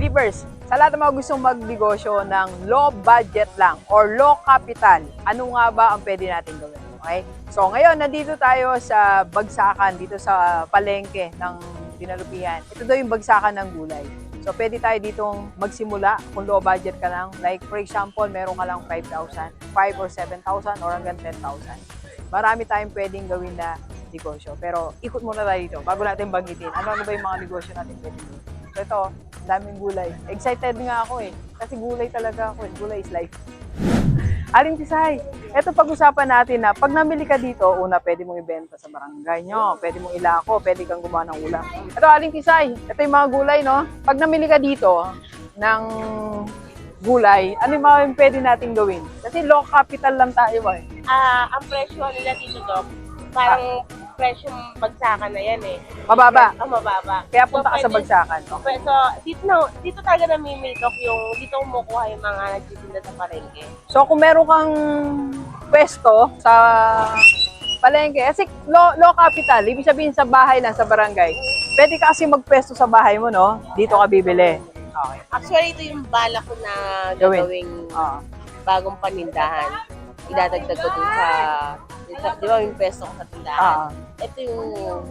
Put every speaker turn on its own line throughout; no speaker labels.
Believers, sa lahat ng mga gustong magnegosyo ng low budget lang or low capital, ano nga ba ang pwede natin gawin? Okay? So ngayon, nandito tayo sa bagsakan, dito sa palengke ng Dinalupihan. Ito daw yung bagsakan ng gulay. So pwede tayo ditong magsimula kung low budget ka lang. Like for example, meron ka lang 5,000, 5 or 7,000 or hanggang 10,000. Marami tayong pwedeng gawin na negosyo. Pero ikot muna tayo dito bago natin banggitin. Ano ba yung mga negosyo natin pwede gawin? So ito, daming gulay. Excited nga ako eh. Kasi gulay talaga ako eh. Gulay is life. Aling Tisay, ito pag-usapan natin na pag namili ka dito, una pwede mong ibenta sa barangay nyo, pwede mong ilako, pwede kang gumawa ng ulam. Ito Aling Tisay, ito yung mga gulay no. Pag namili ka dito ng gulay, ano yung mga pwede natin gawin? Kasi low capital lang tayo eh.
Ang presyo nila dito, Doc, parang presyong bagsakan na yan eh.
Mababa.
Mababa.
Kaya punta ka sa
pwede-
bagsakan.
So, dito talaga namimili, Doc, yung dito kumukuha yung mga nagtitinda sa palengke.
So kung meron kang pwesto sa palengke, kasi low capital, ibig sabihin sa bahay lang, sa barangay, pwede ka kasi magpwesto sa bahay mo, no? Dito ka bibili. Okay.
Actually, ito yung bala ko na
Gawin.
gagawing
Ah.
bagong panindahan. Idadagdag ko dun sa, di ba yung pesto ko sa tindahan? Ito yung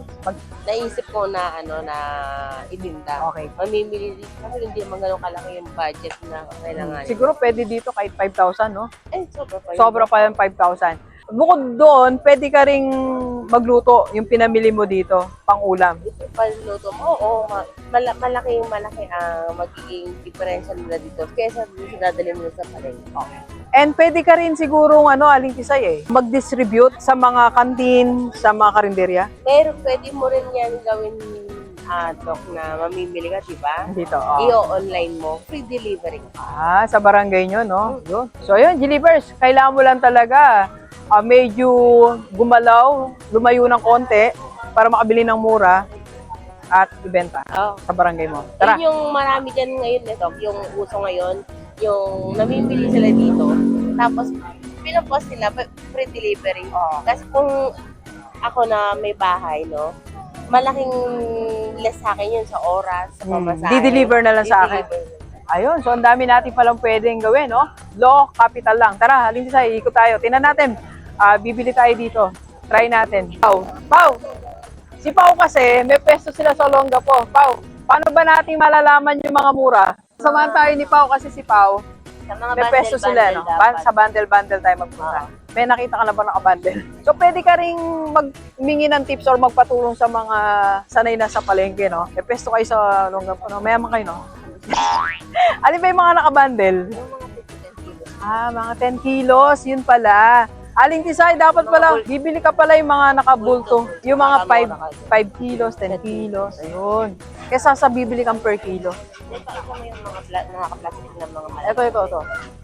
naisip ko na na ibinta.
Okay.
Mamimili dito kasi hindi naman ganun kalaki yung budget na kailangan.
Siguro pwede dito kahit 5,000, no?
Sobra pa yun.
Sobra pa yung 5,000. Bukod doon, pwede ka ring magluto yung pinamili mo dito, pang ulam.
Ito paluto mo, malaki ang magiging diferensya nila dito kaysa dito dadalhin mo sa palengke.
And pwede ka rin siguro, Aling Tisay mag-distribute sa mga kantin, sa mga karinderya.
Pero pwede mo rin yan gawin, Doc, na mamimili ka, di ba?
Dito,
I-online mo, free delivery.
sa barangay nyo, no? Yun. So, yun, Gilivers, kailangan mo lang talaga medyo gumalaw, lumayo ng konti para makabili ng mura at ibenta sa barangay mo. Tara.
Yun yung marami dyan ngayon, Doc, yung uso ngayon, yung namimili sila dito, tapos pinapost nila, free delivery. Kasi kung ako na may bahay, no, malaking less sa akin yun sa oras, sa pamasahe.
Di-deliver na lang sa akin. Ayun, so ang dami natin palang pwedeng gawin, no? Low capital lang. Tara, Aling Tisay, ikot tayo. Tingnan natin. Bibili tayo dito. Try natin. Pau! Si Pau kasi, may pwesto sila sa Olongapo. Pau, paano ba natin malalaman yung mga mura? Samahan tayo ni Pau kasi si Pau,
Sa mga
may pwesto sila, no? Sa bundle-bundle tayo magpunta. May nakita ka na ba nakabundle? So, pwede ka ring magmingi ng tips or magpatulong sa mga sanay na sa palengke, no? May pwesto kayo sa Olongapo, no? Mayaman kayo, no? Alin ba yung mga nakabundle? Mga 10 kilos, yun pala. Aling Tisay, dapat pala, bibili ka pala yung mga nakabulto. Yung mga 5 kilos, 10 kilos, ayun. Kesa sa bibili kang per kilo.
Ito mo yung mga nakaplastic na mga malaki.
Ito.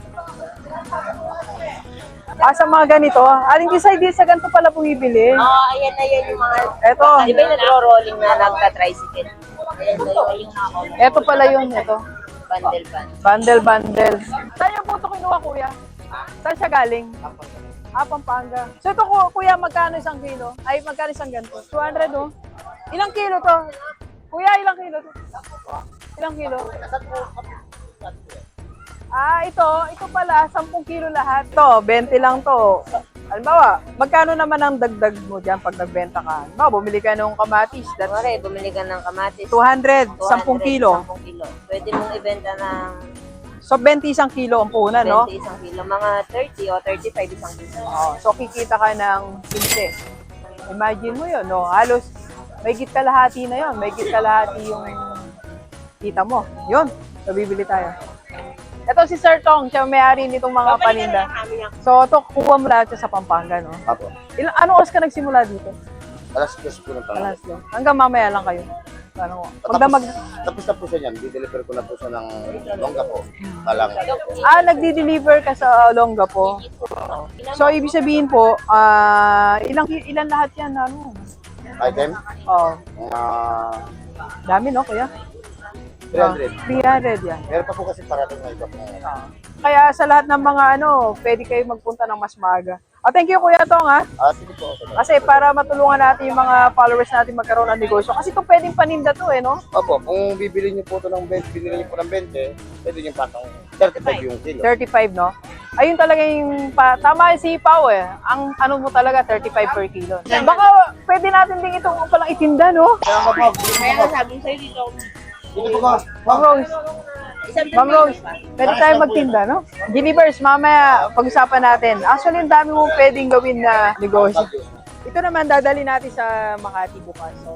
Sa mga ganito, Aling Tisay, di sa ganito pala bumibili.
Ayan na yan yung mga,
Ito,
di ba yung nagro-rolling na nagka-tricycle? Ayan na yung mga
ito pala yun, ito.
bundle.
Bundle. Saan yung puto kinuha, kuya? Saan siya galing? Pampanga. So ito, kuya, magkano isang kilo? Ay, magkano isang ganito? 200, no? Ilang kilo to? Kuya, ilang kilo to? Ilang kilo? Ito pala, 10 kilo lahat. Ito, 20 lang to. Halimbawa, magkano naman ang dagdag mo dyan pag nagbenta ka? Halimbawa, bumili ka ng kamatis. That's
Bumili ka ng kamatis.
200, 10 kilo.
10 kilo. Pwede mong ibenta ng
So, 20 isang kilo ang puhunan, no?
20 isang kilo. Mga 30 o 35 isang kilo.
So, kikita ka ng 15. Imagine mo yun, no? Halos, may kalahati na yun. May kalahati yung kita mo. Yun. So, bibili tayo. Ito si Sir Tong, siya may-ari nitong mga paninda. So, ito, kuha mo lahat siya sa Pampanga, no?
Apo.
Anong oras ka nagsimula dito?
Alas 10 po ng tanghali.
Alas 2. Hanggang mamaya lang kayo.
Tapos na po siya niyan. Dideliver ko na po siya ng longga po. Talang.
Nagdi-deliver ka sa Olongapo. So, ibig sabihin po, ilan lahat yan,
Item?
Oh,
Mga
dami, no, kuya?
300.
300 yan.
Meron pa po kasi parating na iba po.
Kaya sa lahat ng mga pwede kayo magpunta ng mas maaga. Thank you Kuya Tong ha.
Sige po. Okay.
Kasi para matulungan natin yung mga followers natin magkaroon ng negosyo. Kasi ito pwedeng paninda to no?
Opo, kung bibili niyo po ito ng 20, binili niyo po ng 20, pwede niyo patong 35 yung kilo.
35 no? Ayun talaga yung, tama yung sipaw Ang ano mo talaga, 35 per kilo. Baka pwede natin din ito palang itinda no?
Kaya nga po,
Kaya nga sabi ko sa'yo dito,
dito po ba?
Ma'am Rose,
isang
Ma'am Rose, pwede tayo magtinda no? Gilivers, mamaya pag-usapan natin. Actually, ang dami mong pwedeng gawin na negosyo. Ito naman, dadali natin sa Makati bukas. So,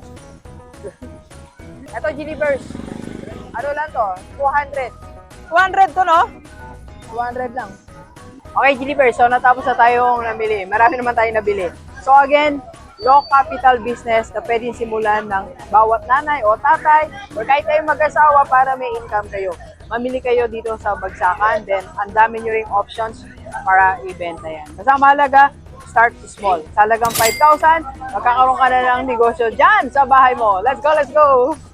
ito, Gilivers. Ano lang to? 200. 200 to, no? 200 lang. Okay, Gilivers. So, natapos na tayong namili. Marami naman tayong nabili. So, again, low capital business na pwedeng simulan ng bawat nanay o tatay or kahit kayong mag-asawa para may income kayo. Mamili kayo dito sa Bagsakan, then ang dami nyo ring options para ibenta yan. Basta mahalaga, start small. Sa halagang 5,000, magkakaroon ka na ng negosyo dyan sa bahay mo. Let's go, let's go!